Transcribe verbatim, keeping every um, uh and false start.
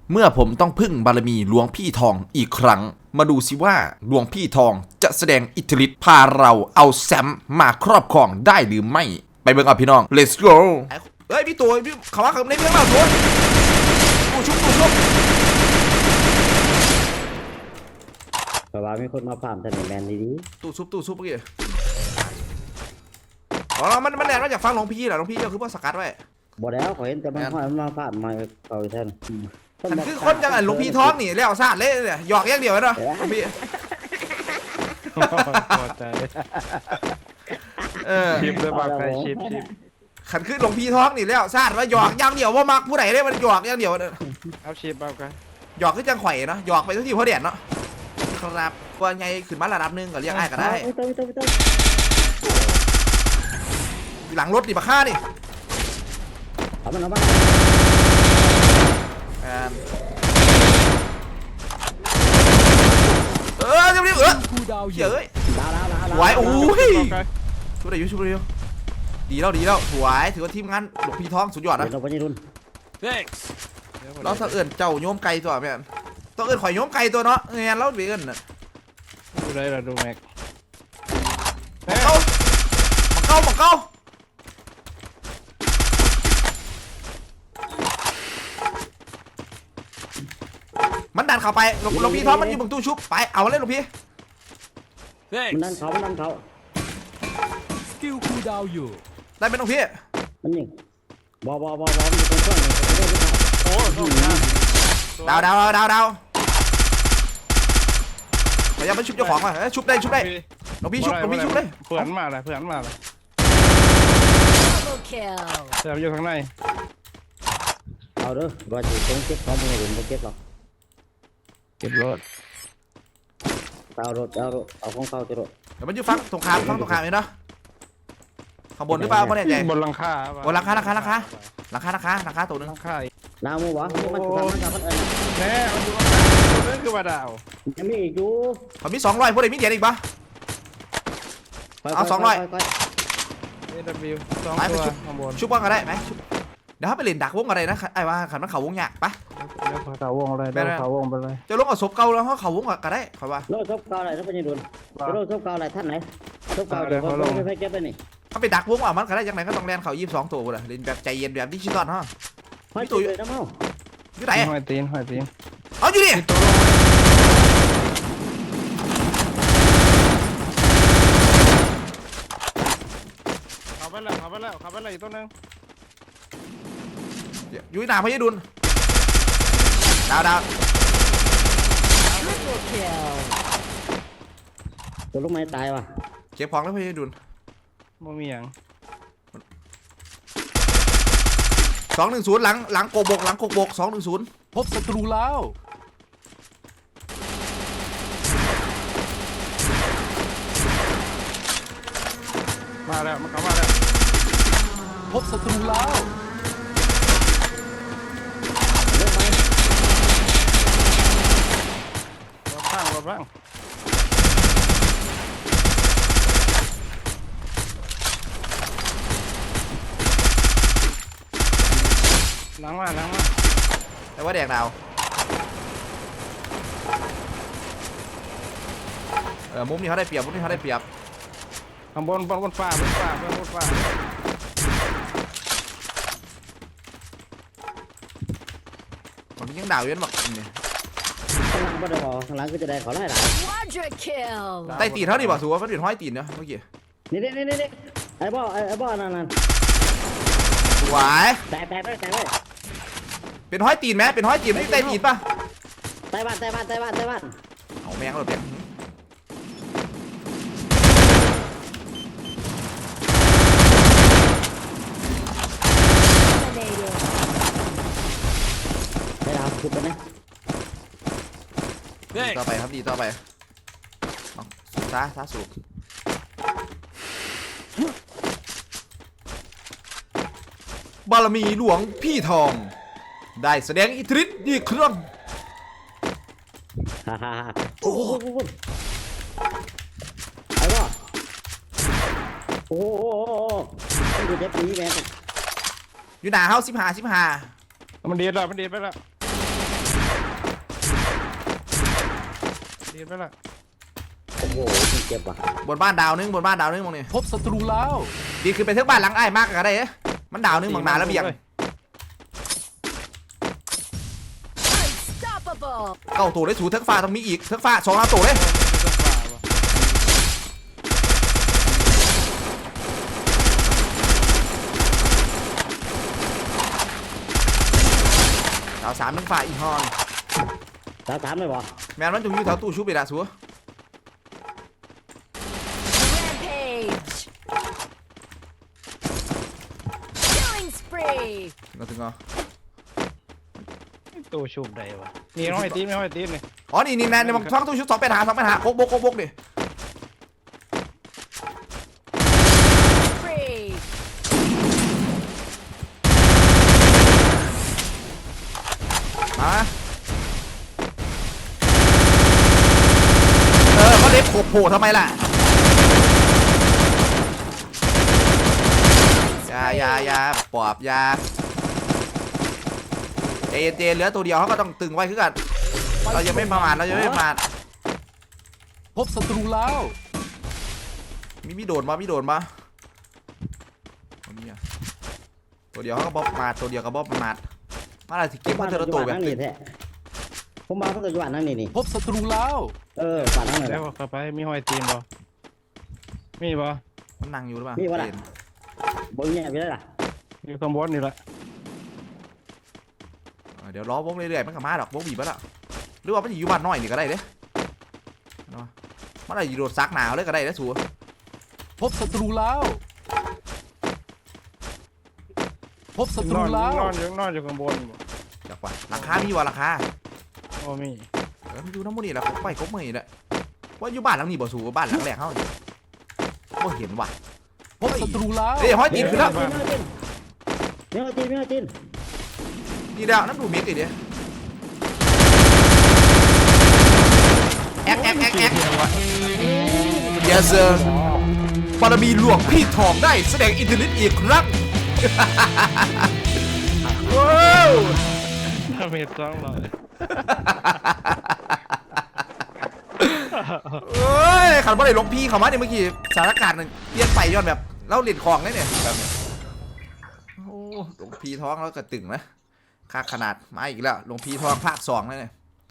เมื่อผมต้องพึ่งบารมีหลวงพี่ทองอีกครั้งมาดูสิว่าหลวงพี่ทองจะแสดงอิทธิฤทธิ์พาเราเอาแซมมาครอบครองได้หรือไม่ไปเบิ่งเอาพี่น้อง let's go เฮ้ยพี่ตัวพี่เขาว่าเขาในเมืองเราตัวกูชุบกูชุบเพราะว่ามีคนมาฟาร์มถนนแมนดีตู้ชุบตู้ชุบเมื่อกี้อ๋อมันมันแรงมาจากฟังหลวงพี่เหรอหลวงพี่ก็คือว่าสกัดไว้ๆบ่แล้วขอเห็นแต่มันค่อยมาฟาร์มมาเอาแทนมันคือคนจังไงหลวงพี่ท้องนี่แล้วซาดเลยเนี่ยหยอกอย่างเดียวเนาะหลวงพี่พอใจเออชิปเลยบางใครชิปชิปขันขึ้นหลวงพี่ท้องนี่แล้วซาดว่าหยอกอย่างเดียวว่ามักผู้ใดได้มันหยอกอย่างเดียวเอาชิปเอากันหยอกคือจังไข่เนาะหยอกไปทุกทีเพราะเด็ดเนาะครับว่าไงขึ้นมาระดับหนึ่งก็เรียกไอ้ก็ได้หลังรถดิบะค่านี่เอามันเอามันเออเดี๋ยวเดี๋ยวเออเฮ้ยดาวดาวดาวสวยโอ้ยช่วยได้อยู่ช่วยได้อยู่ดีแล้วดีแล้วสวยถือว่าทีมงานหลวงพี่ท้องสุดยอดนะเราไปยี่รุ่นเราต้องเอิญเจ้าโยมไก่ตัวแม่นต้องเอิญข่อยโยมไก่ตัวเนาะเงี้ยเราเบี้ยนน่ะดูได้เราดูแม็กมาเก้ามาเก้ามาเก้ามันดันเข้าไปหลวงพี่ท้องมันอยู่บนตู้ชุบไปเอาเลยหลวงพี่มันนั่นเขามันนั่นเขาสกิลคูลดาวน์อยู่ได้เป็นหลวงพี่มันยิงบอบอบอบอมันอยู่ตรงช่วงนี้โอ้โหดาวดาวดาวดาวพยายามไปชุบเจ้าของมาชุบได้ชุบได้หลวงพี่ชุบหลวงพี่ชุบเลยเพื่อนมาเลยเพื่อนมาเลย Double kill. แซมอยู่ข้างในเอาเด้อว่าจะตรงเก็บของมันอยู่ตรงเก็บหรอกเก็บรถเอารถเอารถเอาของเขาจะรถเดี๋ยวมันอยู่ฝั่งตรงข้ามฝั่งตรงข้ามเลยเนาะข้างบนหรือเปล่าไม่แน่ใจบนหลังคาบนหลังคาหลังคาหลังคาหลังคาหลังคาหลังคาตัวนึงหลังคาน้ำมูวะมันทำมันทำมันเอ็นแน่มันอยู่นั่นคือว่าดาวยังมีอีกอยู่เขามีสองร้อยพวกเด็กมีเดียอีกปะ เอาสองร้อยเอวิวสองตัวข้างบนชุบว่างก็ได้ไหมชุบเดี๋ยวถ้าไปเล่นดักวงอะไรนะไอ้ว่าขันมันเขาวงหยากปะเดี๋ยวเขาวงเลยเดี๋ยวเขาวงไปเลยจะลงเอาศพเก่าแล้วเขาเขาวงก็ได้เขาว่าโลดซบเก่าอะไรท่านพญาดุลโลดซบเก่าอะไรท่านไหนซบเก่าเดี๋ยวเขาไปไปเก็บไปนี่ถ้าไปดักวงอ่ะมันก็ได้จากไหนก็ต้องแลนเขายี่สิบสองตัวเลยเล่นแบบใจเย็นแบบดิจิตอลฮะห้อยตัวเลยน้ำเมาอยู่ไหนห้อยตีนห้อยตีนเอาอยู่ดิขับไปแล้วขับไปแล้วขับไปแล้วอีกตัวนึงอยู่หน้าพญาดุลดาวดาว Triple kill. ตัวลูกไม้ตายว่ะเก็บของแล้วพญาดุลไม่มีอย่างสองหนึ่งศูนย์หลังหลังโกบกหลังโกบกสองหนึ่งศูนย์พบศัตรูแล้วมาแล้วมันเข้ามาแล้วพบศัตรูแล้วลูกไม้รถข้างรถบ้างล้างมาล้างมาแต่ว่าแดกดาวเออมุมนี้เขาได้เปรียบมุมนี้เขาได้เปรียบข้างบนบนบนฟ้าบนฟ้าบนบนฟ้ามันยังดาวเยอะมากเนี่ยข้างหลังบ่ได้บอกข้างหลังก็จะได้เขาไล่หลาย Quadra kill. ใต้ตีนเท่านี้ป่ะสูว่ามันเป็นห้อยตีนเนาะเมื่อกี้นี่นี่นี่นี่ไอ้บ่อไอ้บ่อนั่นนั่นหวายแตกแตกเลยแตกเลยเป็นห้อยตีนไหมเป็นห้อยตีนไม่ใช่ใต้ตีนป่ะไต้บ้านไต้บ้านไต้บ้านไต้บ้านเอาแมงเราแมง Dominated. ไต้ดาวขุดไปนะดีต่อไปครับดีต่อไปสูบซาซาสูบ บารมีหลวงพี่ทอง ได้แสดงอิทธิฤทธิ์อีกครั้งฮ่าฮ่าฮ่าโอ้โหโอ้โหไอ้บ่อโอ้โหโอ้โหโอ้โหดูเจ็บปีแม่อยู่หนาเฮาสิบห้าสิบห้ามันดีดแล้วมันดีดไปแล้วตีนไปละโอ้โหเจ็บว่ะบนบ้านดาวนึงบนบ้านดาวนึงมองนี่พบศัตรูแล้วดีคือไปเทือกบ้านหลังไอ้ายมากก็ได้เอ๊ะมันดาวนึงบางนาแล้วเบียง Unstoppable. เก้าตัวได้สูเทือกฟ้าต้องมีอีกเทือกฟ้าสองล้านตัวเลยดาวสามเทือกฟ้าอีกฮอนสามสามเลยบ่แมนมันจุงอยู่แถวตู้ชุบไปละสัว Rampage. Killing spree. ถึงก็ถึงก็ตัวชุบได้วะนี่น้อยตีนไม่น้อยตีนเลยอ๋อนี่นี่แนนในบางช่องตู้ชุบสองเป็นหาสองเป็นหาโคกบกโคกบกดิ Spree. มาเออเขาเล็บโผล่โผล่ทำไมล่ะยายายาปอบยาเจเจเหลือตัวเดียวเขาก็ต้องตึงไว้คือกันเรายังไม่ประมาทเรายังไม่ประมาทพบศัตรูแล้วมีมีโดนมามีโดนมาตัวนี้อะตัวเดียวเขาก็บอบมาตัวเดียวก็บอบมามาอะไรที่เก็บมาเทอร์โตแบบนั่งนี่แท้ผมมาเพิ่งจะอยู่บ้านนั่งนี่นี่พบศัตรูแล้วเออบ้านนั่งนี่แล้วเข้าไปมีห้อยตีนบ่มีบ่มันนั่งอยู่หรือเปล่ามีวะล่ะเห็นบ่มีอะไรล่ะอยู่ข้างบนนี่แหละเออเดี๋ยวล้อวงเรื่อยๆมันก็มาดอกวงบีบแล้วล่ะหรือว่ามันอยู่บ้านน้อยนี่ก็ได้เด้เอามามันอะไรอยู่โดดซักหนาวเลยก็ได้เด้สัวพบศัตรูแล้ว พบศัตนรูอนแล้วนอนอยู่นอนอยู่ข้างบนบ่จักว่าราคามีวะราคาโอ้มีเออมันอยู่น้ำมันนี่แหละไปครบมือนี่แหละว่าอยู่บ้านหลังนี้บ่สูบ้านหลังแรกเขานี่บ่เห็นว่ะพบศัตรูแล้วเอ้ยห้อยตีนขึ้นแล้วมีอะไรจีนมีอะไรจีนมีอะไรจีนนี่ดาวน้ำดูเมกอีกเด้แอกแอกแอกแอก yes sir บารมีหลวงพี่ทองได้แสดงอิทธิฤทธิ์อีกครั้ง ว้าวถ้าเมตรสองร้อยเอ้ยขันบ่ได้หลวงพี่เขามาเนี่ยเมื่อกี้สถานการณ์มันเปลี่ยนไปย้อนแบบเล่าเหรียญของเลยเนี่ยแบบโอ้หลวงพี่ท้องแล้วก็ตึงนะค่าขนาดมาอีกแล้วหลวงพี่ทองภาคสองเลยเนี่ย